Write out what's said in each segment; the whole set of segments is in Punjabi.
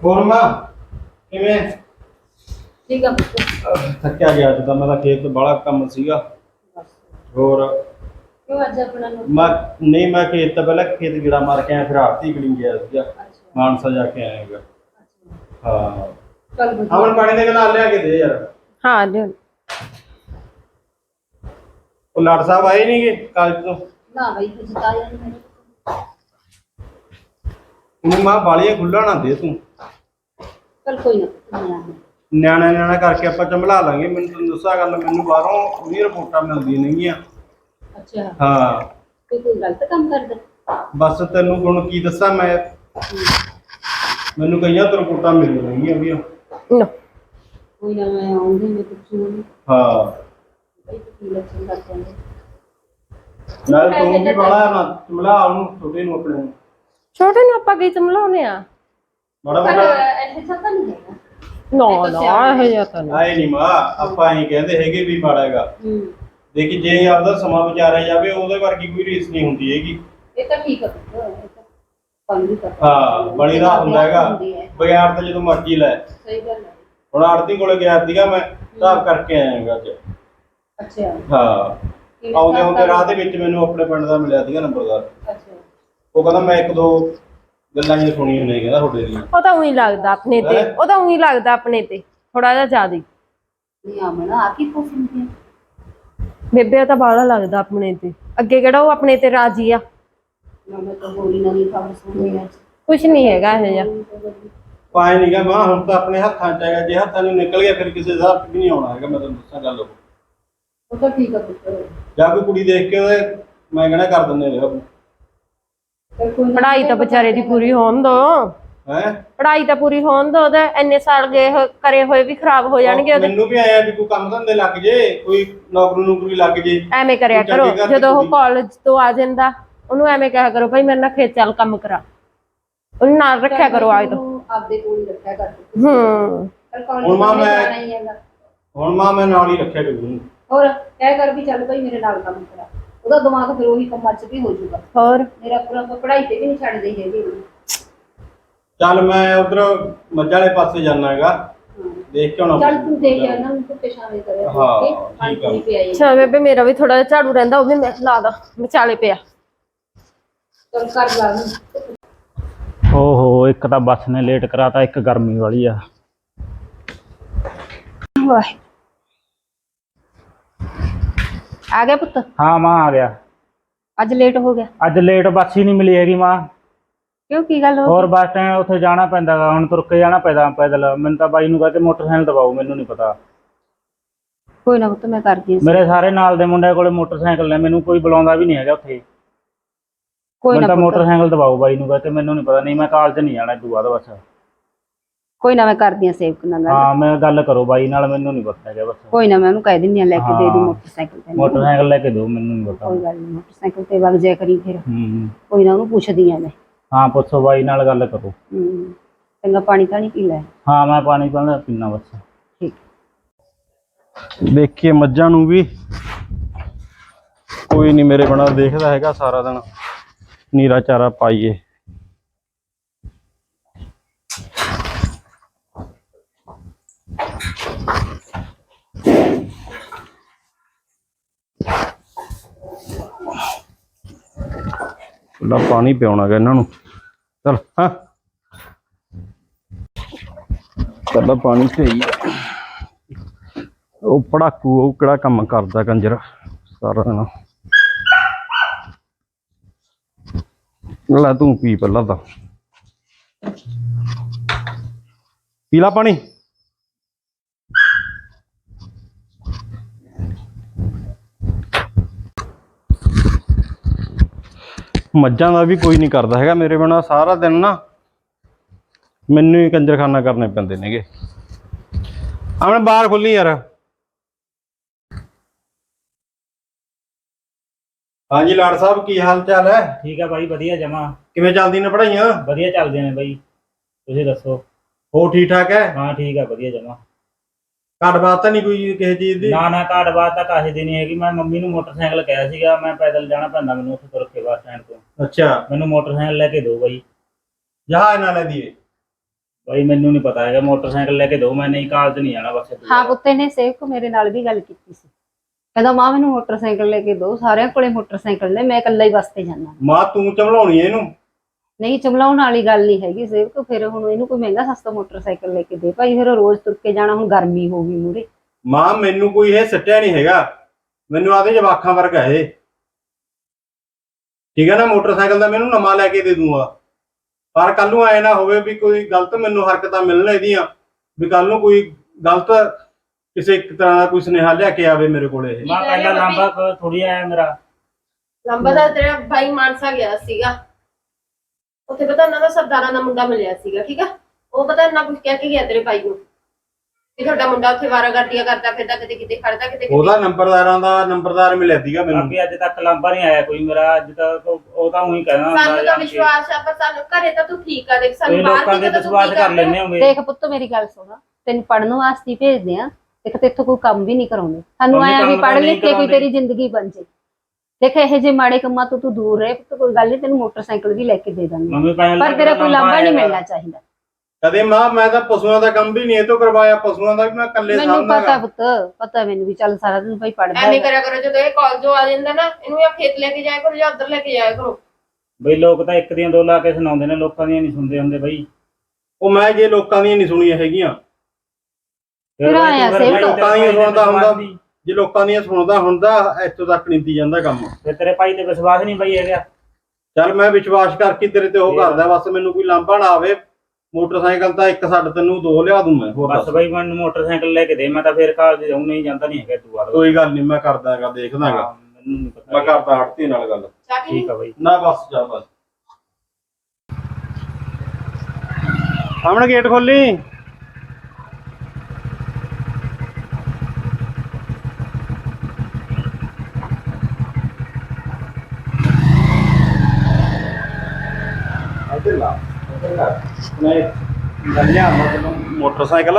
ਹੋਰ ਮਾਂ ਕਿਵੇਂ? ਠੀਕ ਆ ਪੁੱਤ। ਥੱਕਿਆ ਗਿਆ ਅੱਜ ਤਾਂ ਮੈਂ ਤਾਂ ਖੇਤ ਬੜਾ ਕੰਮ ਸੀਗਾ। ਹੋਰ ਕਿਉਂ ਅੱਜ ਆਪਣਾ ਨੂੰ ਮੈਂ ਖੇਤ ਤਾਂ ਪਹਿਲਾਂ ਖੇਤ ਗੇੜਾ ਮਾਰ ਕੇ ਆਇਆ, ਫਿਰ ਆਰਤੀ ਕੜੀ ਗਿਆ ਸੀਗਾ, ਅੱਛਾ ਮਾਨਸਾ ਜਾ ਕੇ ਆਇਆਗਾ। ਅੱਛਾ ਹਾਂ ਚੱਲ ਵਧੀਆ। ਅਮਨ ਪਾਣੀ ਦੇ ਗਲਾਸ ਲਿਆ ਕੇ ਦੇ ਯਾਰ। ਹਾਂ ਲਿਓ। ਉਹ ਲਾਟ ਸਾਹਿਬ ਆਏ ਨਹੀਂਗੇ ਕਾਲਜ ਤੋਂ? ਨਾ ਬਈ ਕੁਝ ਤਾਂ ਆਇਆ ਨਹੀਂ ਮੇਰੇ ਉਹਨੂੰ ਮਾਂ ਬਾਲੀਆਂ ਖੁੱਲਾ ਨਾ ਦੇ ਤੂੰ। ਚੱਲ ਕੋਈ ਨਾ ਪੁੱਤ, ਨਹੀਂ ਆਉਣਾ। ਨਿਆਣਾ ਕਰਕੇ ਆਪਾਂ ਚੰਬਲਾ ਲਾਂਗੇ। ਮੈਨੂੰ ਤੈਨੂੰ ਦੱਸਾਂ ਗੱਲ, ਮੈਨੂੰ ਬਾਹਰੋਂ ਵੀ ਰਿਪੋਰਟਾਂ ਮਿਲਦੀਆਂ ਨੇਗੀਆਂ। ਅੱਛਾ ਹਾਂ ਕੋਈ ਗਲਤ ਕੰਮ ਕਰਦਾ? ਬਸ ਤੈਨੂੰ ਹੁਣ ਕੀ ਦੱਸਾਂ ਮੈਂ, ਮੈਨੂੰ ਕਈਆਂ ਤੋਂ ਰਿਪੋਰਟਾਂ ਮਿਲ ਰਹੀਆਂ ਵੀ। ਲੋ ਕੋਈ ਨਾ ਮੈਂ ਆਉਂਗੀ, ਮੈਂ ਪੁੱਛੂਗੀ ਹਾਂ ਬਈ ਕੀ ਲੱਛਣ ਕਰ ਜਾਂਦੇ। ਨਾਲ ਤੂੰ ਵੀ ਬਾਲਾ ਨਾ ਚੰਬਲਾ ਉਹਨੂੰ, ਛੋਟੇ ਨੂੰ ਆਪਣੇ ਨੂੰ। ਛੋਟੇ ਨੂੰ ਆਪਾਂ ਕੀ ਸਮਲਾਉਨੇ ਆ? ਬੜਾ ਪਰ ਬੜਾ ਐਸੇ ਸਭ ਤਾਂ ਨਹੀਂ ਹੈਗਾ। ਨਾ ਇਹ ਜਿਹਾ ਤਾਂ ਨਹੀਂ। ਆਏ ਨਹੀਂ ਮਾਂ, ਆਪਾਂ ਹੀ ਕਹਿੰਦੇ ਹੈਗੇ ਵੀ ਮਾੜਾ ਹੈਗਾ। ਹੂੰ ਦੇਖੀ ਜੇ ਆਪਦਾ ਸਮਾਂ ਵਿਚਾਰਿਆ ਜਾਵੇ, ਉਹਦੇ ਵਰਗੀ ਕੋਈ ਰੀਸ ਨਹੀਂ ਹੁੰਦੀ ਹੈਗੀ। ਇਹ ਤਾਂ ਠੀਕ ਆ ਪੁੱਤ, ਇਹ ਤਾਂ ਕੰਮ ਵੀ ਕਰਦਾ। ਹਾਂ ਬੜੀ ਰਾਹ ਹੁੰਦਾ ਹੈਗਾ, ਬਗਿਆੜ ਤਾਂ ਜਦੋਂ ਮਰਜ਼ੀ ਲੈ। ਸਹੀ ਗੱਲ ਹੈ। ਹੁਣ ਆੜਤੀ ਕੋਲੇ ਗਿਆ ਸੀਗਾ ਮੈਂ, ਹਿਸਾਬ ਕਰਕੇ ਆਇਆਗਾ ਅੱਜ। ਅੱਛਾ ਹਾਂ ਆਉਂਦੇ ਰਾਹ ਦੇ ਵਿੱਚ ਮੈਨੂੰ ਆਪਣੇ ਪਿੰਡ ਦਾ ਮਿਲਿਆ ਸੀਗਾ ਨੰਬਰਦਾਰ। ਅੱਛਾ ਉਹ ਕਹਿੰਦਾ ਮੈਂ ਇੱਕ ਦੋ ਗੱਲਾਂ ਜਿਹੀਆਂ ਸੁਣੀਆਂ ਨੇ, ਕਹਿੰਦਾ ਤੁਹਾਡੇ ਦੀਆਂ। ਉਹ ਤਾਂ ਉਹੀ ਲੱਗਦਾ ਆਪਣੇ ਤੇ, ਉਹ ਤਾਂ ਉਹੀ ਲੱਗਦਾ ਆਪਣੇ ਤੇ ਥੋੜਾ ਜਿਹਾ ਜ਼ਿਆਦਾ। ਨਹੀਂ ਆਮਣਾ ਆ ਕੀ ਪੁੱਛਦੀ ਹੈ? ਬੇਬੇ ਤਾਂ ਬਾਹਲਾ ਲੱਗਦਾ ਆਪਣੇ ਤੇ, ਅੱਗੇ ਕਿਹੜਾ ਉਹ ਆਪਣੇ ਤੇ ਰਾਜੀ ਆ। ਨਾ ਮੈਂ ਤਾਂ ਹੋਰੀ ਨਵੀਂ ਖਬਰ ਸੁਣੀ ਅੱਜ। ਕੁਛ ਨਹੀਂ ਹੈਗਾ ਇਹ ਜਿਹਾ। ਪਾਏ ਨਹੀਂ ਗਾ ਮਾਂ, ਹੁਣ ਤਾਂ ਆਪਣੇ ਹੱਥਾਂ 'ਚ ਹੈਗਾ। ਜੇ ਹੱਥਾਂ ਨੂੰ ਨਿਕਲ ਗਿਆ ਫਿਰ ਕਿਸੇ ਹਿਸਾਬ 'ਚ ਵੀ ਨਹੀਂ ਆਉਣਾ ਹੈਗਾ। ਮੈਂ ਤੁਹਾਨੂੰ ਦੱਸਾਂ ਗੱਲ, ਉਹ ਤਾਂ ਠੀਕ ਆ ਪੁੱਤ। ਜਾਂ ਕੋਈ ਕੁੜੀ ਦੇਖ ਕੇ ਉਹਦੇ ਮੈਂ ਕਹਿਣਾ ਕਰ ਦਿੰਦੇ ਨੇ ਚੱਲ ਕੋਈ ਨਾ। ਪੜ੍ਹਾਈ ਤਾਂ ਵਿਚਾਰੇ ਦੀ ਪੂਰੀ ਹੋਣ ਦੋ। ਹੈ। ਪੜ੍ਹਾਈ ਤਾਂ ਪੂਰੀ ਹੋਣ ਦੋ, ਉਹਦੇ ਇੰਨੇ ਸਾਲ ਗਏ ਕਰੇ ਹੋਏ ਵੀ ਖਰਾਬ ਹੋ ਜਾਣਗੇ ਉਹਦੇ। ਮੈਨੂੰ ਵੀ ਆਇਆ ਵੀ ਕੋਈ ਕੰਮ ਧੰਦੇ ਲੱਗ ਜੇ, ਕੋਈ ਨੌਕਰੀ ਲੱਗ ਜੇ। ਐਵੇਂ ਕਰਿਆ ਕਰੋ, ਜਦੋਂ ਉਹ ਕਾਲਜ ਤੋਂ ਆ ਜਾਂਦਾ ਉਹਨੂੰ ਐਵੇਂ ਕਿਹਾ ਕਰੋ ਭਾਈ ਮੇਰੇ ਨਾਲ ਖੇਤ ਚੱਲ ਕੰਮ ਕਰਾ। ਉਹਨੂੰ ਨਾਲ ਰੱਖਿਆ ਕਰੋ ਆਏ ਤੋਂ। ਆਪਦੇ ਕੋਲ ਹੀ ਰੱਖਿਆ ਕਰ। ਚੱਲ ਹੁਣ ਮਾਂ ਕਾਲਜ ਮੈਂ ਜਾਣਾ ਹੀ ਹੈਗਾ। ਹੁਣ ਮਾਂ ਮੈਂ ਨਾਲ ਹੀ ਰੱਖਿਆ ਕਰੂੰ। ਹੋਰ ਕਹਿ ਕਰ ਵੀ ਚੱਲ ਭਾਈ ਮੇਰੇ ਨਾਲ ਕੰਮ ਕਰਾ। ਉਹਦਾ ਦਿਮਾਗ ਫਿਰ ਉਹੀ ਕੰਮਾਂ 'ਚ ਵੀ ਹੋ ਜਾਊਗਾ। ਹੋਰ ਮੇਰਾ ਪੂਰਾ ਪੜ੍ਹਾਈ ਤੇ ਵੀ ਨਹੀਂ ਛੱਡਦੇ ਹੈਗੇ। ਚੱਲ ਮੈਂ ਉਧਰ ਮੱਝਾਂ ਵਾਲੇ ਪਾਸੇ ਜਾਣਾ ਹੈਗਾ, ਦੇਖ ਕੇ ਆਉਣਾ। ਚੱਲ ਤੂੰ ਦੇਖ ਆ ਨਾ, ਉਹਨੂੰ ਤੇ ਸ਼ਾਮੇ ਕਰਿਆ ਹਾਂ, ਕੇ ਠੀਕ ਆ। ਪਾਣੀ ਪਿਆਈ। ਅੱਛਾ ਬੇਬੇ ਮੇਰਾ ਵੀ ਥੋੜਾ ਜਿਹਾ ਝਾੜੂ ਰਹਿੰਦਾ, ਉਹ ਵੀ ਮੈਂ ਲਾ ਦਾਂ, ਵਿਚਾਲੇ ਪਿਆ। ਚੱਲ ਕਰ ਲਾ ਨੂੰ। ਓਹੋ ਇੱਕ ਤਾਂ ਬੱਸ ਨੇ ਲੇਟ ਕਰਾਤਾ, ਇੱਕ ਗਰਮੀ ਵਾਲੀ ਆ। ਵਾਹ ਆ ਗਿਆ ਪੁੱਤ? ਹਾਂ ਮਾਂ ਆ ਗਿਆ। ਅੱਜ ਲੇਟ ਹੋ ਗਿਆ? ਅੱਜ ਲੇਟ ਬੱਸ ਹੀ ਨਹੀਂ ਮਿਲੀ ਹੈਗੀ ਮਾਂ। ਕਿਉਂ ਕੀ ਗੱਲ ਹੋ ਹੋਰ ਬੱਸ ਸਟੈਂਡ ਉੱਥੇ ਜਾਣਾ ਪੈਂਦਾ ਗਾ, ਹੁਣ ਤੁਰ ਕੇ ਜਾਣਾ ਪੈਂਦਾ ਪੈਦਲ। ਮੈਨੂੰ ਤਾਂ ਬਾਈ ਨੂੰ ਕਹਤੇ ਮੋਟਰਸਾਈਕਲ ਦਵਾਓ, ਮੈਨੂੰ ਨਹੀਂ ਪਤਾ। ਕੋਈ ਨਾ ਪੁੱਤ ਮੈਂ ਕਰਦੀ ਹਾਂ। ਮੇਰੇ ਸਾਰੇ ਨਾਲ ਦੇ ਮੁੰਡੇ ਕੋਲੇ ਮੋਟਰਸਾਈਕਲ ਨੇ, ਮੈਨੂੰ ਕੋਈ ਬੁਲਾਉਂਦਾ ਵੀ ਨਹੀਂ ਹੈਗਾ ਉੱਥੇ। ਕੋਈ ਮੈਨੂੰ ਨਾ ਤਾਂ ਮੋਟਰਸਾਈਕਲ ਦਵਾਓ ਬਾਈ ਨੂੰ ਕਹਤੇ, ਮੈਨੂੰ ਨਹੀਂ ਪਤਾ। ਨਹੀਂ ਮੈਂ ਕਾਲਜ ਨਹੀਂ ਜਾਣਾ ਇਦੋਂ ਬਾਅਦ ਬਸ। ਕੋਈ ਨਾ ਮੈਂ ਕਰਦੀ ਹਾਂ ਸੇਵਕ ਨਾਲ ਗੱਲ। ਹਾਂ ਮੈਂ ਗੱਲ ਕਰੋ ਬਾਈ ਨਾਲ, ਮੈਨੂੰ ਨਹੀਂ ਪਤਾ ਹੈਗਾ ਬਸ। ਕੋਈ ਨਾ ਮੈਂ ਉਹਨੂੰ ਕਹਿ ਦਿੰਦੀ ਹਾਂ ਲੈ ਕੇ ਦੇ ਦੂ ਮੋਟਰਸਾਈਕਲ ਤੇ। ਮੋਟਰਸਾਈਕਲ ਲੈ ਕੇ ਦਿਓ, ਮੈਨੂੰ ਨਹੀਂ ਪਤਾ। ਕੋਈ ਗੱਲ ਨਹੀਂ, ਮੋਟਰਸਾਈਕਲ ਤੇ ਵਗ ਜਾਇਆ ਕਰੀ ਫਿਰ। ਕੋਈ ਨਾ ਉਹਨੂੰ ਪੁੱਛਦੀ ਆ ਮੈਂ। ਹਾਂ ਪੁੱਛੋ ਬਾਈ ਨਾਲ ਗੱਲ ਕਰੋ। ਚੰਗਾ ਪਾਣੀ ਤਾਂ ਨਹੀਂ ਪੀ ਲੈ। ਹਾਂ ਮੈਂ ਪਾਣੀ ਪੀਣਾ ਬਸ। ਠੀਕ। ਦੇਖੀਏ ਮੱਝਾਂ ਨੂੰ ਵੀ, ਕੋਈ ਨਹੀਂ ਮੇਰੇ ਬਣਾ ਦੇਖਦਾ ਹੈਗਾ ਸਾਰਾ ਦਿਨ। ਨੀਰਾ ਚਾਰਾ ਪਾਈਏ। ਪਾਣੀ ਪਿਆਉਣਾ ਗਾ ਇਹਨਾਂ ਨੂੰ। ਚਲ ਹਾਂ ਪਹਿਲਾਂ ਪਾਣੀ ਪਈ। ਉਹ ਪੜਾਕੂ ਉਹ ਕਿਹੜਾ ਕੰਮ ਕਰਦਾ ਕੰਜਰ ਸਾਰਾ ਦਿਨ। ਲੈ ਤੂੰ ਪੀ ਪਹਿਲਾਂ ਤਾਂ, ਪੀ ਲਾ ਪਾਣੀ। ਮੱਝਾਂ ਦਾ ਵੀ ਕੋਈ ਨਹੀਂ ਕਰਦਾ ਹੈਗਾ ਮੇਰੇ ਬਿਨਾਂ। ਸਾਰਾ ਦਿਨ ਨਾ ਮੈਨੂੰ ਹੀ ਕੰਜਰਖਾਨਾ ਕਰਨੇ ਪੈਂਦੇ ਨੇਗੇ। ਆਪਣੇ ਬਾਹਰ ਖੁੱਲੀ ਯਾਰ। ਹਾਂਜੀ ਲਾੜ ਸਾਹਿਬ ਕੀ ਹਾਲ ਚਾਲ ਹੈ? ਠੀਕ ਆ ਬਾਈ ਵਧੀਆ ਜਮਾ। ਕਿਵੇਂ ਚੱਲਦੀ ਨੇ ਪੜ੍ਹਾਈਆਂ? ਵਧੀਆ ਚੱਲਦੀਆਂ ਨੇ ਬਾਈ, ਤੁਸੀਂ ਦੱਸੋ? ਹੋ ਠੀਕ ਠਾਕ ਹੈ? ਹਾਂ ਠੀਕ ਆ ਵਧੀਆ ਜਮਾ। ਘਾਟ ਬਾਤ ਤਾਂ ਨਹੀਂ ਕੋਈ ਕਿਸੇ ਚੀਜ਼ ਦੀ? ਨਾ ਘਾਟ ਬਾਤ ਤਾਂ ਕਾਹੇ ਦੀ ਨਹੀਂ ਹੈਗੀ। ਮੈਂ ਮੰਮੀ ਨੂੰ ਮੋਟਰਸਾਈਕਲ ਕਿਹਾ ਸੀਗਾ, ਮੈਂ ਪੈਦਲ ਜਾਣਾ ਪੈਂਦਾ ਮੈਨੂੰ ਉੱਥੇ ਤੁਰ ਕੇ ਬੱਸ ਸਟੈਂਡ ਤੋਂ। ਅੱਛਾ ਮੈਨੂੰ ਮੋਟਰਸਾਈਕਲ ਲੈ ਕੇ ਦਿਓ ਬਾਈ। ਜਹਾਜ਼ ਨਾਲ ਲੈ ਦੀਏ। ਬਾਈ ਮੈਨੂੰ ਨਹੀਂ ਪਤਾ ਹੈਗਾ, ਮੋਟਰਸਾਈਕਲ ਲੈ ਕੇ ਦਿਓ, ਮੈਂ ਨਹੀਂ ਕਾਲਜ ਨਹੀਂ ਜਾਣਾ ਬਸ। ਹਾਂ ਪੁੱਤੇ ਨੇ ਸੇਵਕ ਮੇਰੇ ਨਾਲ ਵੀ ਗੱਲ ਕੀਤੀ ਸੀ, ਕਹਿੰਦਾ ਮਾਂ ਮੈਨੂੰ ਮੋਟਰਸਾਈਕਲ ਲੈ ਕੇ ਦਿਓ, ਸਾਰਿਆਂ ਕੋਲੇ ਮੋਟਰਸਾਈਕਲ ਨੇ, ਮੈਂ ਇਕੱਲਾ ਹੀ ਬੱਸ ਤੇ ਜਾਂਦਾ। ਮਾਂ ਤੂੰ ਚਮਲਾਉਣੀ ਇਹਨੂੰ। ਨਹੀਂ ਚਮਲਾਉਣ ਵਾਲੀ ਗੱਲ ਨਹੀਂ ਹੈਗੀ ਸੇਵਕ, ਫਿਰ ਹੁਣ ਇਹਨੂੰ ਕੋਈ ਮਹਿੰਗਾ ਸਸਤਾ ਮੋਟਰਸਾਈਕਲ ਲੈ ਕੇ ਦੇ ਭਾਈ, ਫਿਰ ਰੋਜ਼ ਤੁਰ ਕੇ ਜਾਣਾ, ਹੁਣ ਗਰਮੀ ਹੋ ਗਈ ਮੂਰੇ। ਮਾਂ ਮੈਨੂੰ ਕੋਈ ਇਹ ਸੱਟਿਆ ਨਹੀਂ ਹੈਗਾ, ਮੈਨੂੰ ਆਦੇ ਜਵਾਖਾਂ ਵਰਗਾ ਇਹ, ਠੀਕ ਹੈ ਨਾ। ਮੋਟਰਸਾਈਕਲ ਦਾ ਮੈਨੂੰ ਨਵਾਂ ਲੈ ਕੇ ਦੇ ਦੂੰਗਾ, ਪਰ ਕੱਲ ਨੂੰ ਐ ਨਾ ਹੋਵੇ ਵੀ ਕੋਈ ਗਲਤ ਮੈਨੂੰ ਹਰਕਤਾਂ ਮਿਲਣ ਇਹਦੀਆਂ, ਵੀ ਕੱਲ ਨੂੰ ਕੋਈ ਗਲਤ ਕਿਸੇ ਇੱਕ ਤਰ੍ਹਾਂ ਦਾ ਕੋਈ ਸੁਨੇਹਾ ਲੈ ਕੇ ਆਵੇ ਮੇਰੇ ਕੋਲੇ ਇਹ। ਮਾਂ ਪਹਿਲਾਂ ਲਾਂਬਾ ਥੋੜੀ ਆਇਆ ਮੇਰਾ। ਲੰਬਾ ਦਾ ਤੇਰਾ ਭਾਈ ਮਾਨਸਾ ਗਿਆ ਸੀਗਾ, ਉੱਥੇ ਪਤਾ ਉਹਨਾਂ ਦਾ ਸਰਦਾਰਾਂ ਦਾ ਮੁੰਡਾ ਮਿਲਿਆ ਸੀਗਾ, ਠੀਕ ਆ। ਉਹ ਪਤਾ ਇੰਨਾ ਕੁਝ ਕਹਿ ਕੇ ਗਿਆ ਤੇਰੇ ਭਾਈ ਨੂੰ ਵੀ ਤੁਹਾਡਾ ਮੁੰਡਾ ਉੱਥੇ ਵਾਰਾਗਰਦੀਆਂ ਕਰਦਾ ਫਿਰਦਾ, ਕਿਤੇ ਕਿਤੇ ਖੜਦਾ, ਕਿਤੇ ਉਹਦਾ ਨੰਬਰਦਾਰ ਮਿਲਿਆ ਸੀਗਾ ਮੈਨੂੰ। ਬਾਕੀ ਅੱਜ ਤੱਕ ਲਾਂਬਾ ਨਹੀਂ ਆਇਆ ਕੋਈ ਮੇਰਾ, ਅੱਜ ਤੱਕ ਉਹ ਤਾਂ ਉਹੀ ਕਹਿਣਾ ਹੁੰਦਾ। ਸਾਨੂੰ ਤਾਂ ਵਿਸ਼ਵਾਸ ਆ, ਪਰ ਸਾਨੂੰ ਘਰੇ ਤਾਂ ਤੂੰ ਠੀਕ ਆ, ਦੇਖ ਸਾਨੂੰ ਲੋਕਾਂ ਦੇ ਵਿਸ਼ਵਾਸ ਕਰ ਲੈਣੇ ਹੋਗੇ। ਦੇਖ ਪੁੱਤ ਮੇਰੀ ਗੱਲ ਸੁਣ, ਤੈਨੂੰ ਪੜਨ ਵਾਸਤੇ ਹੀ ਭੇਜਦੇ ਆ, ਦੇਖ ਤੇ ਇੱਥੋਂ ਕੋਈ ਕੰਮ ਵੀ ਨਹੀਂ ਕਰਾਉਂਦੇ, ਸਾਨੂੰ ਆਇਆ ਵੀ ਪੜ੍ਹ ਲਿਖ ਕੇ ਕੋਈ ਤੇਰੀ ਜ਼ਿੰਦਗੀ ਬਣ ਜੇ। ਦੇਖ ਇਹੋ ਜਿਹੇ ਮਾੜੇ ਕੰਮਾਂ ਤੋਂ ਤੂੰ ਦੂਰ ਰਹੇ ਪੁੱਤ, ਕੋਈ ਗੱਲ ਨਹੀਂ, ਤੈਨੂੰ ਮੋਟਰਸਾਈਕਲ ਵੀ ਲੈ ਕੇ ਦੇ ਦਾਂਗੇ, ਪਰ ਤੇਰਾ ਕੋਈ ਲਾਂਭਾ ਨਹੀਂ ਮਿਲਣਾ ਚਾਹੀਦਾ। ਕਦੇ ਮਾਂ ਮੈਂ ਤਾਂ ਪਸ਼ੂਆਂ ਦਾ ਕੰਮ ਵੀ ਨਹੀਂ ਇਹ ਤੋਂ ਕਰਵਾਇਆ, ਪਸ਼ੂਆਂ ਦਾ ਵੀ ਮੈਂ ਇਕੱਲੇ ਮੈਨੂੰ ਸਾਂਭਦਾ। ਪਤਾ ਪੁੱਤ, ਪਤਾ ਮੈਨੂੰ ਵੀ, ਚੱਲ ਸਾਰਾ ਦਿਨ ਭਾਈ ਪੜਦਾ ਐਵੇਂ ਕਰਿਆ ਕਰੋ, ਜਦੋਂ ਇਹ ਕਾਲਜੋਂ ਆ ਜਾਂਦਾ ਨਾ, ਇਹਨੂੰ ਜਾਂ ਖੇਤ ਲੈ ਕੇ ਜਾਇਆ ਕਰੋ ਜਾਂ ਉੱਧਰ ਲੈ ਕੇ ਜਾਇਆ ਕਰੋ। ਬਈ ਲੋਕ ਤਾਂ ਇੱਕ ਦੀਆਂ ਦੋ ਲਾ ਕੇ ਸੁਣਾਉਂਦੇ ਨੇ, ਲੋਕਾਂ ਦੀਆਂ ਨਹੀਂ ਸੁਣਦੇ ਹੁੰਦੇ ਬਈ। ਉਹ ਮੈਂ ਜੇ ਲੋਕਾਂ ਦੀਆਂ ਨਹੀਂ ਸੁਣੀਆਂ ਹੈਗੀਆਂ, ਫਿਰ ਆਇਆ ਸੇ ਲੋਕਾਂ ਦੀਆਂ ਸੁਣਦਾ ਹੁੰਦਾ, ਜੇ ਲੋਕਾਂ ਦੀਆਂ ਸੁਣਦਾ ਹੁੰਦਾ ਇੱਥੋਂ ਤੱਕ ਨਹੀਂ ਤੀ ਜਾਂਦਾ ਕੰਮ। ਤੇ ਤੇਰੇ ਭਾਈ ਤੇ ਵਿਸ਼ਵਾਸ ਨਹੀਂ ਬਈ ਹੈਗਾ। ਚੱਲ ਮੈਂ ਵਿਸ਼ਵਾਸ ਕਰਕੇ ਤੇਰੇ ਤੇ ਉਹ ਕਰਦਾ, ਬਸ ਮੈਨੂੰ ਕੋਈ ਲਾਂਭਾ ਨਾ ਆਵੇ। ਮੋਟਰਸਾਈਕਲ ਤਾਂ ਇੱਕ ਛੱਡ ਤੈਨੂੰ ਦੋ ਲਿਆ ਦੂੰ ਮੈਂ, ਹੋਰ ਬਸ ਬਈ ਮੈਨੂੰ ਮੋਟਰਸਾਈਕਲ ਲੈ ਕੇ ਦੇ, ਮੈਂ ਤਾਂ ਫੇਰ ਕਾਲਜ ਜਾਉਂ, ਨਹੀਂ ਜਾਂਦਾ ਨਹੀਂ ਹੈਗਾ ਤੂੰ ਬਾਅਦ। ਕੋਈ ਗੱਲ ਨਹੀਂ, ਮੈਂ ਕਰਦਾ ਹੈਗਾ, ਦੇਖਦਾ ਹੈਗਾ, ਮੈਨੂੰ ਨਹੀਂ ਪਤਾ। ਮੈਂ ਕਰਦਾ ਹੜਤੀ ਨਾਲ ਗੱਲ। ਠੀਕ ਆ ਬਈ। ਨਾ ਬਸ ਜਾ ਬਸ। ਸਾਹਮਣੇ ਗੇਟ ਖੋਲੀ। ਮੋਟਰਸਾਈਕਲ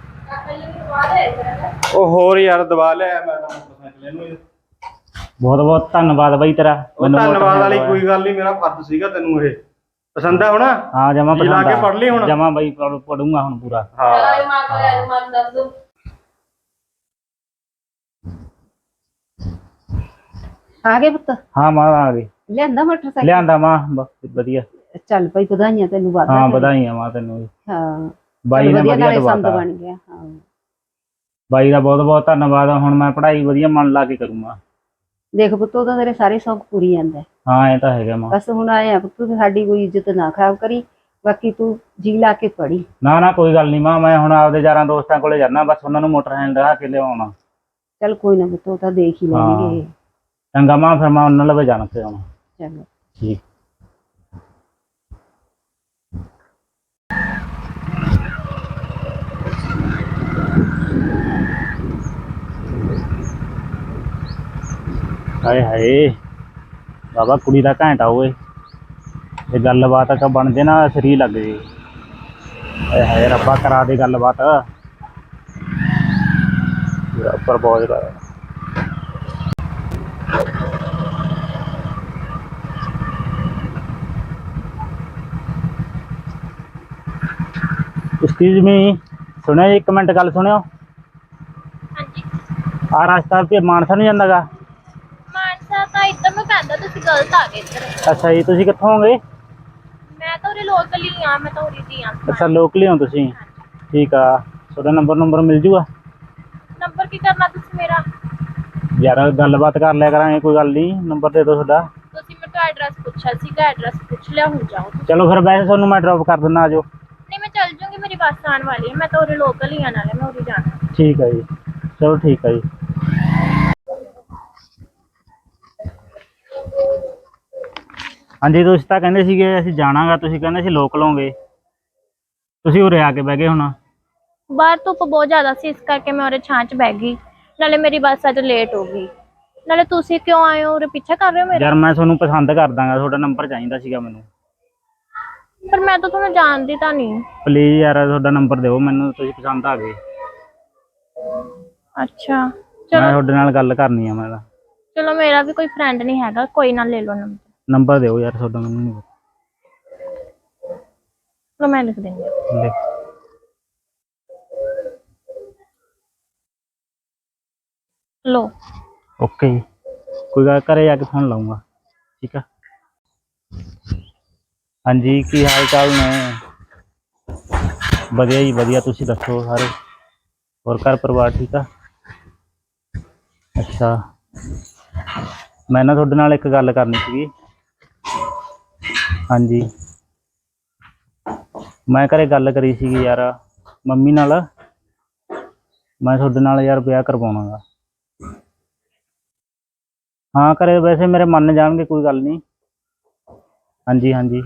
ਉਹ ਹੋਰ ਯਾਰ ਦਬਾ ਲਿਆ ਮੈਂ ਮੋਟਰਸਾਈਕਲ ਇਹਨੂੰ। ਬਹੁਤ ਬਹੁਤ ਧੰਨਵਾਦ ਬਈ ਤੇਰਾ। ਧੰਨਵਾਦ ਵਾਲੀ ਕੋਈ ਗੱਲ ਨਹੀਂ, ਮੇਰਾ ਫਰਜ਼ ਸੀਗਾ। ਤੈਨੂੰ ਇਹ ਪਸੰਦ ਆ ਹੁਣ? ਹਾਂ ਜਮਾ ਪਸੰਦ ਆ। ਲਾ ਕੇ ਪੜ ਲਈ ਹੁਣ? ਜਮਾ ਬਈ ਪੜੂੰਗਾ ਹੁਣ ਪੂਰਾ। ਹਾਂ ਮਨ ਦੱਸ ਦੋ। ਆ ਗਏ ਪੁੱਤ? ਹਾਂ ਮਾਂ ਆ ਗਈ। ਲਿਆਂਦਾ ਮੋਟਰਸਾਈਕਲ? ਲਿਆਂਦਾ ਮਾਂ, ਵਧੀਆ। ਚੱਲ ਭਾਈ ਵਧਾਈਆਂ ਤੈਨੂੰ, ਵਾਦਾ। ਹਾਂ ਵਧਾਈਆਂ ਮਾਂ ਤੈਨੂੰ ਵੀ। ਹਾਂ ਬਾਈ ਨੇ ਵਧੀਆ ਸੰਦ ਦਵਾਤਾ। ਬਣ ਗਿਆ। ਹਾਂ ਬਾਈ ਦਾ ਬਹੁਤ ਬਹੁਤ ਧੰਨਵਾਦ। ਹੁਣ ਮੈਂ ਪੜ੍ਹਾਈ ਵਧੀਆ ਮਨ ਲਾ ਕੇ ਕਰੂੰਗਾ। ਦੇਖ ਪੁੱਤ, ਉਹਦਾ ਤੇਰੇ ਸਾਰੇ ਸ਼ੌਕ ਪੂਰੀ ਜਾਂਦਾ। ਹਾਂ ਇਹ ਤਾਂ ਹੈਗਾ ਮਾਂ। ਬਸ ਹੁਣ ਆਏ ਆ ਪੁੱਤ, ਸਾਡੀ ਕੋਈ ਇੱਜ਼ਤ ਨਾ ਖਰਾਬ ਕਰੀ, ਬਾਕੀ ਤੂੰ ਜੀ ਲਾ ਕੇ ਪੜੀ। ਨਾ ਨਾ ਕੋਈ ਗੱਲ ਨਹੀਂ ਮਾਂ, ਮੈਂ ਹੁਣ ਆਪਦੇ ਯਾਰਾਂ ਦੋਸਤਾਂ ਕੋਲੇ ਜਾਣਾ, ਬਸ ਉਹਨਾਂ ਨੂੰ ਮੋਟਰਸਾਈਕਲ ਦਿਖਾ ਕੇ ਲਿਆਉਣਾ। ਚੱਲ ਕੋਈ ਨਾ ਪੁੱਤ, ਉਹ ਤਾਂ ਦੇਖ ਹੀ ਲੈਣਗੇ। ਚੰਗਾ ਮਾਂ, ਫਿਰ ਮੈਂ ਉਹਨਾਂ ਲਵੇ ਜਾਣਾ ਤੇ ਆਉਣਾ। ਚੰਗਾ ਠੀਕ। ਹਾਏ ਹਾਏ ਬਾਬਾ, ਕੁੜੀ ਦਾ ਘੈਂਟਾ ਓਏ। ਇਹ ਗੱਲਬਾਤ ਕਾ ਬਣਦੇ ਨਾ ਸਰੀ ਲੱਗ ਗਈ। ਹਾਏ ਹਾਏ ਰੱਬਾ, ਕਰਾ ਦੇ ਗੱਲਬਾਤ। ਪ੍ਰਪੋਜ਼ ਕਰ। ਐਕਸਕਿਊਜ਼ ਮੀ, ਸੁਣਿਓ ਜੀ, ਇੱਕ ਮਿੰਟ ਗੱਲ ਸੁਣਿਓ। ਹਾਂਜੀ, ਆ ਰਸਤਾ ਤੇ ਮਾਨਸਾ ਨੂੰ ਜਾਂਦਾਗਾ? ਮਾਨਸਾ ਤਾਂ ਇੱਧਰ ਨੂੰ ਪੈਂਦਾ, ਤੁਸੀਂ ਗਲਤ ਆ ਗਏ ਇੱਧਰ। ਅੱਛਾ ਜੀ, ਤੁਸੀਂ ਕਿੱਥੋਂ ਹੋਗੇ? ਮੈਂ ਤਾਂ ਉਰੇ ਲੋਕਲ ਹੀ ਆ, ਮੈਂ ਤਾਂ ਉਰੇ ਦੀ ਆ। ਅੱਛਾ ਲੋਕਲੀ ਹੋ ਤੁਸੀਂ? ਠੀਕ ਆ। ਤੁਹਾਡਾ ਨੰਬਰ ਮਿਲ ਜੂਗਾ? ਨੰਬਰ ਕੀ ਕਰਨਾ ਤੁਸੀਂ ਮੇਰਾ? ਯਾਰ ਗੱਲਬਾਤ ਕਰ ਲਿਆ ਕਰਾਂਗੇ, ਕੋਈ ਗੱਲ ਨਹੀਂ। ਨੰਬਰ ਦੇ ਦਿਓ ਤੁਹਾਡਾ। ਤੁਸੀਂ ਮੇਰੇ ਤੋਂ ਐਡਰੈਸ ਪੁੱਛਿਆ ਸੀਗਾ, ਐਡਰੈਸ ਪੁੱਛ ਲਿਆ, ਹੁਣ ਜਾਓ ਤੁਸੀਂ। ਚਲੋ ਫਿਰ ਵੈਸੇ ਤੁਹਾਨੂੰ ਮੈਂ ਡ੍ਰੌਪ ਕਰ ਦਿੰਦਾ, ਆ ਜਾਓ। ਨਹੀਂ ਮੈਂ ਚੱਲ ਜੂੰਗੀ, ਮੇਰੀ ਬੱਸ ਆਉਣ ਵਾਲੀ ਹੈ, ਮੈਂ ਤਾਂ ਉਰੇ ਲੋਕਲ ਹੀ ਆ, ਨਾਲੇ ਮੈਂ ਉਰੇ ਜਾਣਾ। ਠੀਕ ਹੈ ਜੀ, ਚਲੋ ਠੀਕ ਹੈ ਜੀ। ਹਾਂਜੀ, ਤੁਸੀਂ ਤਾਂ ਕਹਿੰਦੇ ਸੀਗੇ ਅਸੀਂ ਜਾਣਾਗਾ, ਤੁਸੀਂ ਕਹਿੰਦੇ ਸੀ ਲੋਕ ਲਓਗੇ, ਤੁਸੀਂ ਉਰੇ ਆ ਕੇ ਬਹਿ ਗਏ ਹੁਣ। ਬਾਹਰ ਧੁੱਪ ਬਹੁਤ ਜ਼ਿਆਦਾ ਸੀ, ਇਸ ਕਰਕੇ ਮੈਂ ਉਰੇ ਛਾਂ 'ਚ ਬਹਿ ਗਈ, ਨਾਲੇ ਮੇਰੀ ਬੱਸ ਅੱਜ ਲੇਟ ਹੋ ਗਈ। ਨਾਲੇ ਤੁਸੀਂ ਕਿਉਂ ਆਏ ਹੋ ਉਰੇ, ਪਿੱਛਾ ਕਰ ਰਹੇ ਹੋ ਮੇਰਾ? ਯਾਰ ਮੈਂ ਤੁਹਾਨੂੰ ਪਸੰਦ ਕਰ ਦਾਂਗਾ, ਤੁਹਾਡਾ ਨੰਬਰ ਚਾਹੀਦਾ ਸੀਗਾ ਮੈਨੂੰ। ਪਰ ਮੈਂ ਤਾਂ ਤੁਹਾਨੂੰ ਜਾਣਦੀ ਤਾਂ ਨਹੀਂ। ਪਲੀਜ਼ ਯਾਰ ਤੁਹਾਡਾ ਨੰਬਰ ਦਿਓ ਮੈਨੂੰ, ਤੁਸੀਂ ਪਸੰਦ ਆ ਗਏ। ਅੱਛਾ ਮੈਂ ਚਲੋ, ਤੁਹਾਡੇ ਨਾਲ ਗੱਲ ਕਰਨੀ ਆ। ਮੈਂ ਤਾਂ ਚਲੋ ਮੇਰਾ ਵੀ ਕੋਈ ਫਰੈਂਡ ਨਹੀਂ ਹੈਗਾ, ਕੋਈ ਨਾ ਲੈ ਲਓ ਨੰਬਰ ਦਿਓ ਯਾਰ ਤੁਹਾਡਾ, ਮੈਨੂੰ ਨਹੀਂ ਚਲੋ ਮੈਂ ਲਿਖ ਦਿੰਦੀ ਹਾਂ। ਲਿਖ। ਲੋ। ਓਕੇ ਜੀ, ਕੋਈ ਗੱਲ ਘਰੇ ਜਾ ਕੇ ਫੋਨ ਲਾਉਂਗਾ, ਠੀਕ ਆ। ਹਾਂਜੀ, ਕੀ ਹਾਲ ਚਾਲ ਨੇ? ਵਧੀਆ ਜੀ ਵਧੀਆ, ਤੁਸੀਂ ਦੱਸੋ ਸਾਰੇ? ਹੋਰ ਘਰ ਪਰਿਵਾਰ ਠੀਕ ਆ? ਅੱਛਾ, ਮੈਂ ਨਾ ਤੁਹਾਡੇ ਨਾਲ ਇੱਕ ਗੱਲ ਕਰਨੀ ਸੀਗੀ। ਹਾਂਜੀ, ਮੈਂ ਘਰੇ ਗੱਲ ਕਰੀ ਸੀਗੀ ਯਾਰ ਮੰਮੀ ਨਾਲ। ਮੈਂ ਤੁਹਾਡੇ ਨਾਲ ਯਾਰ ਵਿਆਹ ਕਰਵਾਉਣਾ ਗਾ। ਹਾਂ, ਘਰੇ ਵੈਸੇ ਮੇਰੇ ਮੰਨ ਜਾਣਗੇ, ਕੋਈ ਗੱਲ ਨਹੀਂ। ਹਾਂਜੀ ਹਾਂਜੀ,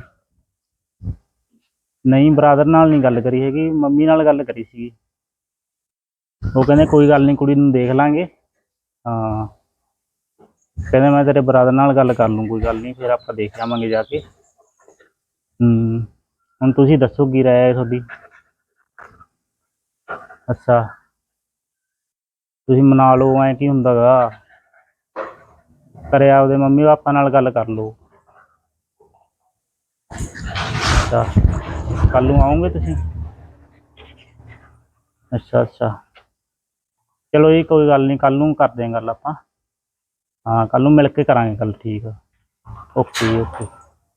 ਨਹੀਂ ਬਰਾਦਰ ਨਾਲ ਨਹੀਂ ਗੱਲ ਕਰੀ ਹੈਗੀ, ਮੰਮੀ ਨਾਲ ਗੱਲ ਕਰੀ ਸੀਗੀ। ਉਹ ਕਹਿੰਦੇ ਕੋਈ ਗੱਲ ਨਹੀਂ, ਕੁੜੀ ਨੂੰ ਦੇਖ ਲਾਂਗੇ। ਹਾਂ, ਕਹਿੰਦੇ ਮੈਂ ਤੇਰੇ ਬਰਾਦਰ ਨਾਲ ਗੱਲ ਕਰ ਲੂੰ, ਕੋਈ ਗੱਲ ਨਹੀਂ, ਫਿਰ ਆਪਾਂ ਦੇਖ ਆਵਾਂਗੇ ਜਾ ਕੇ। ਹੁਣ ਤੁਸੀਂ ਦੱਸੋ ਕੀ ਰਾਏ ਹੈ ਤੁਹਾਡੀ? ਅੱਛਾ, ਤੁਸੀਂ ਮਨਾ ਲਓ, ਐਂ ਕੀ ਹੁੰਦਾ ਗਾ। ਘਰੇ ਆਪਦੇ ਮੰਮੀ ਪਾਪਾ ਨਾਲ ਗੱਲ ਕਰ ਲਓ। ਅੱਛਾ, ਕੱਲ ਨੂੰ ਆਓਗੇ ਤੁਸੀਂ? ਅੱਛਾ ਅੱਛਾ, ਚਲੋ ਜੀ ਕੋਈ ਗੱਲ ਨਹੀਂ, ਕੱਲ ਨੂੰ ਕਰਦੇ ਹਾਂ ਗੱਲ ਆਪਾਂ। ਹਾਂ, ਕੱਲ ਨੂੰ ਮਿਲ ਕੇ ਕਰਾਂਗੇ ਗੱਲ, ਠੀਕ ਆ। ਓਕੇ ਜੀ ਓਕੇ।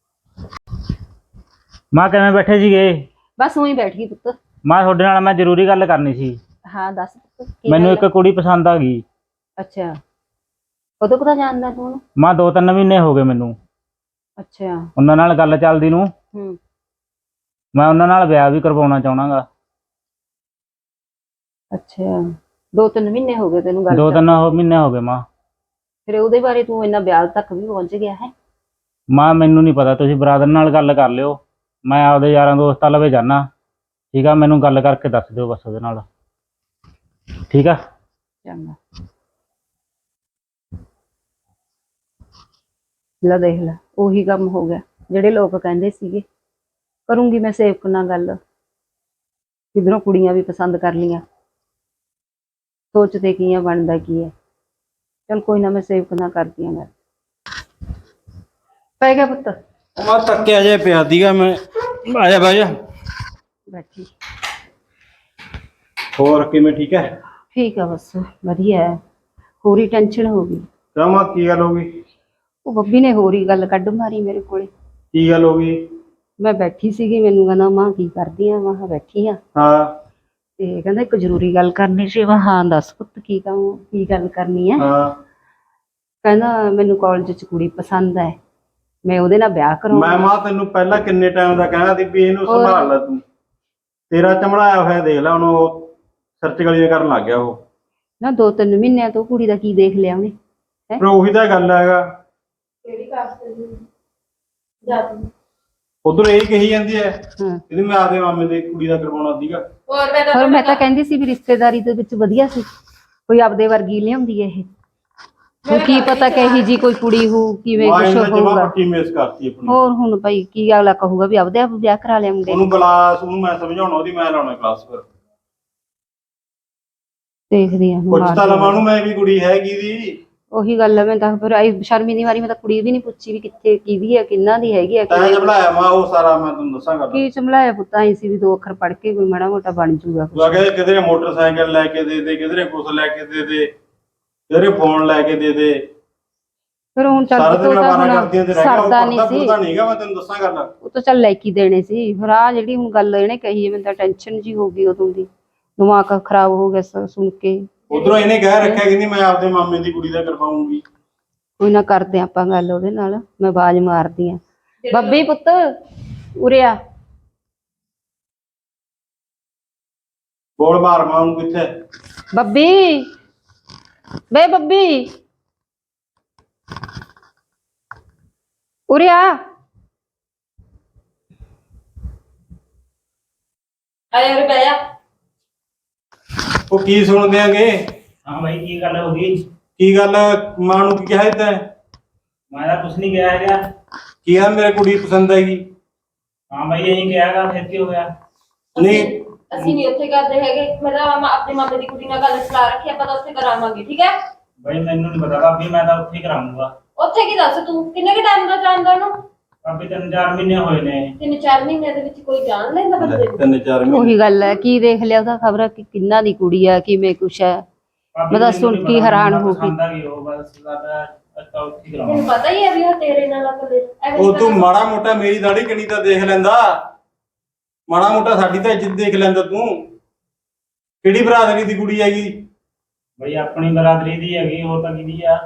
ਮਾਂ ਕਿਵੇਂ ਬੈਠੇ ਸੀਗੇ? ਬਸ ਉਹੀ ਬੈਠ ਗਈ ਪੁੱਤ। ਮਾਂ ਤੁਹਾਡੇ ਨਾਲ ਮੈਂ ਜ਼ਰੂਰੀ ਗੱਲ ਕਰਨੀ ਸੀ। ਹਾਂ ਦੱਸ ਪੁੱਤ, ਕੀ ਮੈਨੂੰ ਗੱਲ ਇੱਕ ਆ? ਕੁੜੀ ਪਸੰਦ ਆ ਗਈ। ਅੱਛਾ, ਕਦੋਂ ਕਦਾ ਜਾਣਦਾ ਤੂੰ ਉਹਨੂੰ? ਮਾਂ 2-3 ਮਹੀਨੇ ਹੋ ਗਏ ਮੈਨੂੰ ਅੱਛਾ। ਉਹਨਾਂ ਨਾਲ ਗੱਲ ਚੱਲਦੀ ਨੂੰ। ਹੂੰ। ਮੈਂ ਉਹਨਾਂ ਨਾਲ ਵਿਆਹ ਵੀ ਕਰਵਾਉਣਾ ਚਾਹੁੰਦਾ ਗਾ। ਅੱਛਾ, 2-3 ਮਹੀਨੇ ਹੋ ਗਏ ਤੈਨੂੰ ਗੱਲ 2-3 ਚੱਲਦੀ? ਮਹੀਨੇ ਹੋ ਗਏ ਮਾਂ। ਫਿਰ ਉਹਦੇ ਬਾਰੇ ਤੂੰ ਇੰਨਾ ਵਿਆਹ ਤੱਕ ਵੀ ਪਹੁੰਚ ਗਿਆ ਹੈ? ਮਾਂ ਮੈਨੂੰ ਨਹੀਂ ਪਤਾ, ਤੁਸੀਂ ਬਰਾਦਰ ਨਾਲ ਗੱਲ ਕਰ ਲਿਓ। ਮੈਂ ਆਪਦੇ ਯਾਰਾਂ ਦੋਸਤਾਂ ਲਵੇ ਜਾਣਾ, ਠੀਕ ਆ। ਮੈਨੂੰ ਗੱਲ ਕਰਕੇ ਦੱਸ ਦਿਓ ਬਸ ਉਹਦੇ ਨਾਲ, ਠੀਕ ਆ। ਚੰਗਾ, ਲੈ ਦੇਖ ਲੈ, ਉਹੀ ਕੰਮ ਹੋ ਗਿਆ ਜਿਹੜੇ ਲੋਕ ਕਹਿੰਦੇ ਸੀਗੇ। ਕਰੂੰਗੀ ਮੈਂ ਸੇਵਕ ਨਾਲ ਗੱਲ, ਕਿਧਰੋਂ ਕੁੜੀਆਂ ਵੀ ਪਸੰਦ ਕਰ ਲੀਆਂ। ਸੋਚਦੇ ਕੀ ਆ, ਬਣਦਾ ਕੀ ਹੈ। ਚਲ ਕੋਈ ਨਾ, ਮੈਂ ਸੇਵਕ ਨਾਲ ਕਰਦੀ ਆ ਗੱਲ। ਪੈ ਗਿਆ ਪੁੱਤ? ਮੈਂ ਤੱਕਿਆ ਜੇ ਪਿਆ ਦੀਗਾ, ਮੈਂ ਆਇਆ ਬਹਿ ਜਾ। ਬੈਠੀ। ਹੋਰ ਕਿਵੇਂ, ਠੀਕ ਹੈ? ਠੀਕ ਆ, ਬਸ ਵਧੀਆ ਹੈ। ਹੋਰੀ ਟੈਨਸ਼ਨ ਹੋ ਗਈ। ਕਿਉਂ ਮਾਂ, ਕੀ ਗੱਲ ਹੋ ਗਈ? ਉਹ ਬੱਬੀ ਨੇ ਹੋਰ ਹੀ ਗੱਲ ਕੱਢ ਮਾਰੀ ਮੇਰੇ ਕੋਲੇ। ਕੀ ਗੱਲ ਹੋ ਗਈ? ਮੈਂ ਬੈਠੀ ਸੀਗੀ, ਮੈਨੂੰ ਕਹਿੰਦਾ ਮਾਂ ਕੀ ਕਰਦੀ ਆ? ਮੈਂ ਕਿਹਾ ਬੈਠੀ ਆ। ਹਾਂ ਤੇ ਕਹਿੰਦਾ ਇੱਕ ਜ਼ਰੂਰੀ ਗੱਲ ਕਰਨੀ ਸੀ। ਮੈਂ ਹਾਂ ਦੱਸ ਪੁੱਤ, ਕੀ ਗੱਲ ਕਰਨੀ ਹੈ? ਹਾਂ, ਕਹਿੰਦਾ ਮੈਨੂੰ ਕਾਲਜ 'ਚ ਕੁੜੀ ਪਸੰਦ ਹੈ, ਮੈਂ ਉਹਦੇ ਨਾਲ ਵਿਆਹ ਮੈਂ ਕਰਾਉਣਾ। ਮਾਂ ਤੈਨੂੰ ਪਹਿਲਾਂ ਕਿੰਨੇ ਟਾਈਮ ਦਾ ਕਹਿਣਾ ਸੀ ਵੀ ਇਹਨੂੰ ਹੋਰ? ਸੰਭਾਲ ਲੈ ਤੂੰ। ਤੇਰਾ ਚਮੜਾਇਆ ਹੋਇਆ ਦੇਖ ਲੈ, ਹੁਣ ਉਹ ਸਰਚ ਗਲੀਆਂ ਕਰਨ ਲੱਗ ਗਿਆ ਉਹ। ਨਾ 2-3 ਮਹੀਨਿਆਂ ਤੋਂ ਕੁੜੀ ਦਾ ਕੀ ਦੇਖ ਲਿਆ ਉਹਨੇ? ਪਰ ਉਹੀ ਤਾਂ ਗੱਲ ਹੈਗਾ, ਕਿਹੜੀ ਕਾਸਟ ਦੀ ਜਾਤੀ? ਉਧਰ ਇਹੀ ਕਹੀ ਜਾਂਦੀ ਹੈ ਹਾਂ, ਇਹਦੀ ਮੈਂ ਆਪਦੇ ਮਾਮੇ ਦੀ ਕੁੜੀ ਦਾ ਕਰਵਾਉਣਾ ਸੀਗਾ। ਹੋਰ ਮੈਂ ਹੋਰ ਮੈਂ ਤਾਂ ਕਹਿੰਦੀ ਸੀ ਵੀ ਰਿਸ਼ਤੇਦਾਰੀ ਦੇ ਵਿੱਚ ਵਧੀਆ ਸੀ, ਕੋਈ ਆਪਦੇ ਵਰਗੀ ਲਿਆਉਂਦੀ ਹੈ ਇਹ। ਹੁਣ ਕੀ ਪਤਾ ਕਹੀ ਜੀ ਕੋਈ ਕੁੜੀ ਹੋ, ਕਿਵੇਂ ਮਾਂ ਕੁਛ ਇਹਨੇ ਜਮਾ ਹੋਊਗਾ। ਪੱਟੀ ਮੇਸ ਕਰਤੀ ਆਪਣੀ। ਹੋਰ ਹੁਣ ਭਾਈ ਕੀ ਅਗਲਾ ਕਹੂਗਾ ਵੀ ਆਪਦੇ ਆਪ ਵਿਆਹ ਕਰਾ ਲਿਆ ਮੁੰਡੇ ਉਹਨੂੰ ਨੇ। ਕਲਾਸ, ਉਹਨੂੰ ਮੈਂ ਸਮਝਾਉਣਾ, ਉਹਦੀ ਮੈਂ ਲਾਉਣਾ ਕਲਾਸ। ਫਿਰ ਦੇਖਦੀ ਆ ਪੁੱਛ ਤਾਂ ਲਵਾਂ ਉਹਨੂੰ ਮੈਂ ਵੀ ਕੁੜੀ ਹੈਗੀ ਦੀ। ਉਹੀ ਗੱਲ ਹੈ, ਮੈਂ ਤਾਂ ਫਿਰ ਆਈ ਸ਼ਰਮੀ ਦੀ ਵਾਰੀ ਮੈਂ ਤਾਂ ਕੁੜੀ ਵੀ ਨਹੀਂ ਪੁੱਛੀ ਵੀ ਕਿੱਥੇ ਕਿਹਦੀ ਹੈ, ਕਿੰਨਾ ਦੀ ਹੈਗੀ ਹੈ। ਤੈਂ ਚਮੜਾਇਆ ਮਾਂ ਉਹ ਸਾਰਾ, ਮੈਂ ਤੈਨੂੰ ਦੱਸਾਂ ਗੱਲ। ਕੀ ਚਮਲਾਇਆ ਪੁੱਤ, ਆਈ ਸੀ ਵੀ 2 ਅੱਖਰ ਪੜ੍ਹ ਕੇ ਕੋਈ ਮਾੜਾ ਮੋਟਾ ਬਣ ਜੂਗਾ ਤੂੰ ਕਹਿੰਦੇ ਕਿਧਰੇ ਮੋਟਰਸਾਈਕਲ ਲੈ ਕੇ ਦੇ ਦੇ, ਕਿਧਰੇ ਕੁਛ ਲੈ ਕੇ ਦੇ ਦੇ, ਕਿਧਰੇ ਫੋਨ ਲੈ ਕੇ ਦੇ ਦੇ। ਫਿਰ ਹੁਣ ਚੱਲ ਸਾਰਾ ਪੁੱਤ ਦਿਨ ਉਹ ਤਾਂ ਵਾਰਾ ਕਰਦੀਆਂ ਤੇ ਰਹਿ ਗਿਆ, ਉਹ ਸਰਦਾ ਨਹੀਂ ਪੜਦਾ ਸੀ। ਪੁੜਦਾ ਨਹੀਂਗਾ, ਮੈਂ ਤੈਨੂੰ ਦੱਸਾਂ ਗੱਲ। ਉਹ ਤਾਂ ਚੱਲ ਲੈ ਕੇ ਦੇਣੇ ਸੀ, ਫਿਰ ਆ ਜਿਹੜੀ ਹੁਣ ਗੱਲ ਇਹਨੇ ਕਹੀ ਹੈ ਮੈਨੂੰ ਤਾਂ ਟੈਨਸ਼ਨ ਜੀ ਹੋ ਗਈ ਉਦੋਂ ਦੀ, ਦਿਮਾਗ ਖਰਾਬ ਹੋ ਗਿਆ ਸੁਣ ਕੇ। ਉਧਰੋਂ ਇਹਨੇ ਕਹਿ ਰੱਖਿਆ ਕਹਿੰਦੀ ਮੈਂ ਆਪਦੇ ਮਾਮੇ ਦੀ ਕੁੜੀ ਦਾ ਕਰਵਾਉਂਗੀ। ਕੋਈ ਨਾ ਕਰਦੇ ਆਪਾਂ ਗੱਲ ਉਹਦੇ ਨਾਲ, ਮੈਂ ਆਵਾਜ਼ ਮਾਰਦੀ ਆ। ਬੱਬੀ ਪੁੱਤ ਉਰੇ ਆ। ਬੋਲ ਮਾਰ ਮਾਂ ਨੂੰ, ਕਿੱਥੇ? ਬੱਬੀ, ਬੇ ਬੱਬੀ ਉਰੇ ਆ। ਆਇਆ ਰੇ ਬਹਿ ਜਾ। ਉਹ ਕੀ ਸੁਣਦੇ ਆਂਗੇ? ਹਾਂ ਬਾਈ, ਕੀ ਗੱਲ ਹੋ ਗਈ? ਕੀ ਗੱਲ, ਮਾਂ ਨੂੰ ਕੀ ਕਿਹਾ ਤੈਂ? ਮੈਂ ਤਾਂ ਕੁਛ ਨਹੀਂ ਕਿਹਾ ਹੈਗਾ। ਕੀ ਆ, ਮੇਰੇ ਕੁੜੀ ਪਸੰਦ ਹੈਗੀ। ਹਾਂ ਬਾਈ, ਇਹੀ ਕਿਹਾ ਹੈਗਾ, ਫਿਰ ਕੀ ਹੋ ਗਿਆ? ਨਹੀਂ ਅਸੀਂ ਨਹੀਂ ਉੱਥੇ ਕਰਦੇ ਹੈਗੇ, ਮੈਂ ਤਾਂ ਆਪਣੇ ਮਾਮੇ ਦੀ ਕੁੜੀ ਨਾਲ ਗੱਲ ਸਲਾ ਰੱਖੀ, ਆਪਾਂ ਤਾਂ ਉੱਥੇ ਕਰਾਵਾਂਗੇ, ਠੀਕ ਹੈ? ਬਾਈ ਮੈਨੂੰ ਨਹੀਂ ਪਤਾ ਭਾਬੀ, ਮੈਂ ਤਾਂ ਉੱਥੇ ਹੀ ਕਰਾਉਂਗਾ। ਉੱਥੇ ਕੀ ਦੱਸ ਤੂੰ, ਕਿੰਨੇ ਕੁ ਟਾਈਮ ਦਾ ਜਾਣਦਾ ਉਹਨੂੰ? ਭਾਬੀ 3-4 ਮਹੀਨੇ ਹੋਏ ਨੇ। 3-4 ਮਹੀਨਿਆਂ ਦੇ ਵਿੱਚ ਕੋਈ ਜਾਣ ਲੈਂਦਾ ਬੰਦੇ ਨੂੰ? 3-4 ਮਹੀਨੇ। ਉਹੀ ਗੱਲ ਹੈ, ਕੀ ਦੇਖ ਲਿਆ ਉਹਦਾ, ਖਬਰ ਕਿ ਕਿੰਨਾ ਦੀ ਕੁੜੀ ਆ, ਕਿਵੇਂ ਕੁਛ ਹੈ। ਭਾਬੀ ਮੈਂ ਤਾਂ ਮੈਨੂੰ ਸੁਣ ਨੀ ਕੇ ਪਤਾ, ਹੈਰਾਨ ਮੈਨੂੰ ਹੋ ਤਾਂ ਪਸੰਦ ਆ ਗਈ ਉਹ, ਬਸ ਸਾਡਾ ਅੱਛਾ ਉੱਥੇ ਹੀ ਤੈਨੂੰ ਕਰਾਉਣਾ। ਪਤਾ ਹੀ ਹੈ ਵੀ ਉਹ ਤੇਰੇ ਨਾਲ ਅਕਲ ਉਹ ਤੂੰ ਮਾੜਾ ਮੋਟਾ ਮੇਰੀ ਦਾੜੀ ਕਿੰਨੀ ਤਾਂ ਦੇਖ ਲੈਂਦਾ, ਮਾੜਾ ਮੋਟਾ ਸਾਡੀ ਤਾਂ ਇੱਜ਼ਤ ਦੇਖ ਲੈਂਦਾ ਤੂੰ। ਕਿਹੜੀ ਬਰਾਦਰੀ ਦੀ ਕੁੜੀ ਹੈਗੀ? ਬਈ ਆਪਣੀ ਬਰਾਦਰੀ ਦੀ ਹੈਗੀ, ਹੋਰ ਤਾਂ ਕਿਹਦੀ ਆ।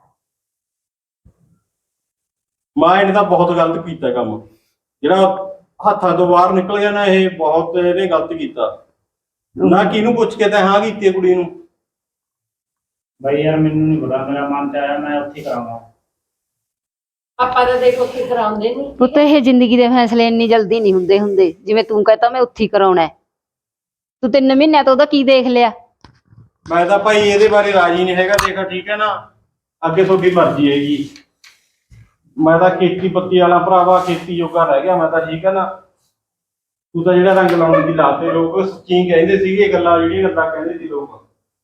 ਮਾਂ ਇਹਨੇ ਤਾਂ ਬਹੁਤ ਗਲਤ ਕੀਤਾ ਕੰਮ, ਜਿਹੜਾ ਹੱਥਾਂ ਤੋਂ ਬਾਹਰ ਨਿਕਲ ਗਿਆ ਨਾ, ਇਹ ਬਹੁਤ ਇਹਨੇ ਗਲਤ ਕੀਤਾ। ਨਾ ਕਿਹਨੂੰ ਪੁੱਛ ਕੇ ਤਾਂ ਹਾਂ ਕੀਤੀ ਕੁੜੀ ਨੂੰ। ਬਈ ਯਾਰ ਮੈਨੂੰ ਨਹੀਂ ਪਤਾ, ਮੇਰਾ ਮਨ ਚ ਆਇਆ ਮੈਂ ਉੱਥੇ ਹੀ ਕਰਾਉਣਾ। ਆਪਾਂ ਤਾਂ ਦੇਖ ਉੱਥੇ ਕਰਾਉਂਦੇ ਨਹੀਂ। ਪੁੱਤ ਇਹ ਜ਼ਿੰਦਗੀ ਦੇ ਫੈਸਲੇ ਇੰਨੀ ਜਲਦੀ ਨਹੀਂ ਹੁੰਦੇ ਜਿਵੇਂ ਤੂੰ ਕਹਤਾ ਮੈਂ ਉੱਥੇ ਹੀ ਕਰਾਉਣਾ ਹੈ। ਤੂੰ 3 ਮਹੀਨਿਆਂ ਤੋਂ ਉਹਦਾ ਕੀ ਦੇਖ ਲਿਆ? ਮੈਂ ਤਾਂ ਭਾਈ ਇਹਦੇ ਬਾਰੇ ਰਾਜੀ ਨਹੀਂ ਹੈਗਾ, ਦੇਖ ਠੀਕ ਹੈ ਨਾ, ਅੱਗੇ ਤੁਹਾਡੀ ਮਰਜ਼ੀ ਹੈਗੀ। ਮੈਂ ਤਾਂ ਖੇਤੀ ਪੱਤੀ ਵਾਲਾ ਭਰਾਵਾ, ਖੇਤੀ ਜੋਗਾ ਰਹਿ ਗਿਆ ਮੈਂ ਤਾਂ, ਠੀਕ ਹੈ ਨਾ। ਤੂੰ ਤਾਂ ਜਿਹੜਾ ਰੰਗ ਲਾਉਣ ਦੀ ਲਾਤੇ, ਲੋਕ ਸੱਚੀ ਕਹਿੰਦੇ ਸੀਗੇ ਗੱਲਾਂ, ਜਿਹੜੀਆਂ ਗੱਲਾਂ ਕਹਿੰਦੇ ਸੀ ਲੋਕ।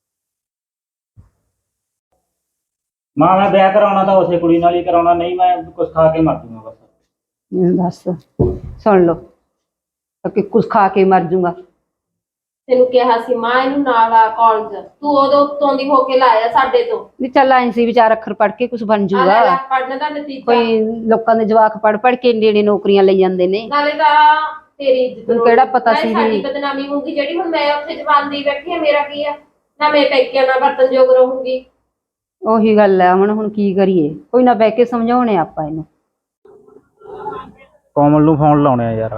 ਮਾਂ ਮੈਂ ਵਿਆਹ ਕਰਾਉਣਾ ਤਾਂ ਉਸੇ ਕੁੜੀ ਨਾਲ ਹੀ ਕਰਾਉਣਾ, ਨਹੀਂ ਮੈਂ ਕੁਛ ਖਾ ਕੇ ਮਰ ਜੂਗਾ ਬਸ। ਬਸ ਸੁਣ ਲਓ ਕਿ ਕੁਝ ਖਾ ਕੇ ਮਰ ਜੂਗਾ। ਤੈਨੂੰ ਕਿਹਾ ਸੀ ਮਾਂ ਇਹਨੂੰ ਨਾਲ ਆ ਕਾਲਜ, ਤੂੰ ਉਦੋਂ ਉੱਤੋਂ ਦੀ ਹੋ ਕੇ ਲਾਇਆ ਸਾਡੇ ਤੋਂ। ਵੀ ਚੱਲ ਐਂ ਸੀ ਵਿਚਾਰ ਅੱਖਰ ਪੜ੍ਹ ਕੇ ਕੁਝ ਬਣ ਜੂਗਾ। ਪੜਨ ਦਾ ਨਤੀਜਾ ਕੋਈ ਲੋਕਾਂ ਦੇ ਜਵਾਕ ਪੜ੍ਹ ਕੇ ਨੇੜੇ ਨੌਕਰੀਆਂ ਲਈ ਜਾਂਦੇ ਨੇ। ਨਾਲੇ ਤਾਂ ਤੇਰੀ ਇੱਜ਼ਤ ਤੈਨੂੰ ਕਿਹੜਾ ਪਤਾ ਨਾਲੇ ਸੀ ਸਾਡੀ ਵੀ ਬਦਨਾਮੀ ਹੋਊਗੀ, ਜਿਹੜੀ ਹੁਣ ਮੈਂ ਉੱਥੇ ਜਵਾਨ ਦੀ ਬੈਠੀ ਆ, ਮੇਰਾ ਕੀ ਆ ਨਾ, ਮੈਂ ਪੇਕਿਆਂ ਨਾਲ ਵਰਤਨਯੋਗ ਰਹੂੰਗੀ। ਉਹੀ ਗੱਲ ਹੈ, ਹੁਣ ਕੀ ਕਰੀਏ, ਕੋਈ ਨਾ ਬਹਿ ਕੇ ਸਮਝਾਉਣੇ ਆਪਾਂ ਇਹਨੂੰ। ਕੋਮਲ ਨੂੰ ਫੋਨ ਲਾਉਣੇ ਆ ਯਾਰ।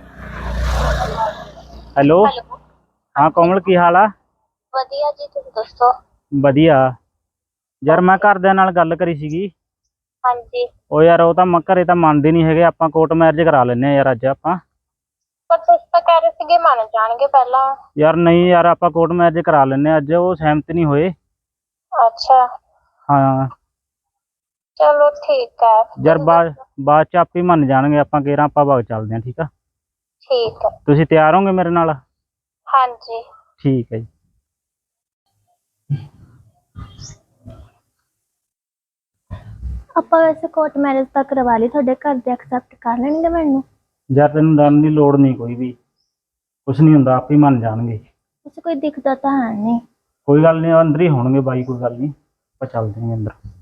ਹੈਲੋ ਹਾਂ ਕੋਮਲ, ਕੀ ਹਾਲ ਆ? ਵਧੀਆ ਜੀ, ਤੁਸੀਂ ਦੱਸੋ? ਵਧੀਆ ਯਾਰ, ਮੈਂ ਘਰਦਿਆਂ ਨਾਲ ਗੱਲ ਕਰੀ ਸੀਗੀ। ਹਾਂਜੀ, ਉਹ ਯਾਰ ਉਹ ਤਾਂ ਘਰੇ ਤਾਂ ਮੰਨਦੇ ਨਹੀਂ ਹੈਗੇ, ਆਪਾਂ ਕੋਰਟ ਮੈਰਿਜ ਕਰਾ ਲੈਂਦੇ ਆ ਯਾਰ ਅੱਜ ਆਪਾਂ। ਪਰ ਤੁਸੀਂ ਤਾਂ ਕਹਿ ਰਹੇ ਸੀਗੇ ਮੰਨ ਜਾਣਗੇ ਪਹਿਲਾਂ। ਯਾਰ ਨਹੀਂ ਯਾਰ, ਆਪਾਂ ਕੋਰਟ ਮੈਰਿਜ ਕਰਾ ਲੈਂਦੇ ਆ ਅੱਜ, ਉਹ ਸਹਿਮਤ ਨਹੀਂ ਹੋਏ। ਅੱਛਾ ਹਾਂ ਚਲੋ ਠੀਕ ਹੈ। ਯਾਰ ਬਾਅਦ ਚ ਆਪੇ ਮੰਨ ਜਾਣਗੇ, ਆਪਾਂ ਕਿਹੜਾ ਆਪਾਂ ਬਾਗ ਚੱਲਦੇ ਆ, ਠੀਕ ਆ? ਠੀਕ ਹੈ। ਤੁਸੀਂ ਤਿਆਰ ਹੋਗੇ ਮੇਰੇ ਨਾਲ? ਹਾਂਜੀ ਠੀਕ ਹੈ ਜੀ। ਆਪਾਂ ਵੈਸੇ ਕੋਰਟ ਮੈਰਿਜ ਤਾਂ ਕਰਵਾ ਲਈ, ਤੁਹਾਡੇ ਘਰ ਦੇ ਐਕਸੈਪਟ ਕਰ ਲੈਣਗੇ ਮੈਨੂੰ? ਯਾਰ ਤੈਨੂੰ ਡਰਨ ਦੀ ਲੋੜ ਨਹੀਂ ਕੋਈ ਵੀ, ਕੁਛ ਨਹੀਂ ਹੁੰਦਾ, ਆਪੇ ਮੰਨ ਜਾਣਗੇ। ਵੈਸੇ ਕੋਈ ਦਿਖਦਾ ਤਾਂ ਹੈ ਨਹੀਂ। ਕੋਈ ਗੱਲ ਨਹੀਂ, ਅੰਦਰ ਹੀ ਹੋਣਗੇ ਬਾਈ, ਕੋਈ ਗੱਲ ਨਹੀਂ, ਆਪਾਂ ਚੱਲਦੇ ਹਾਂ ਅੰਦਰ।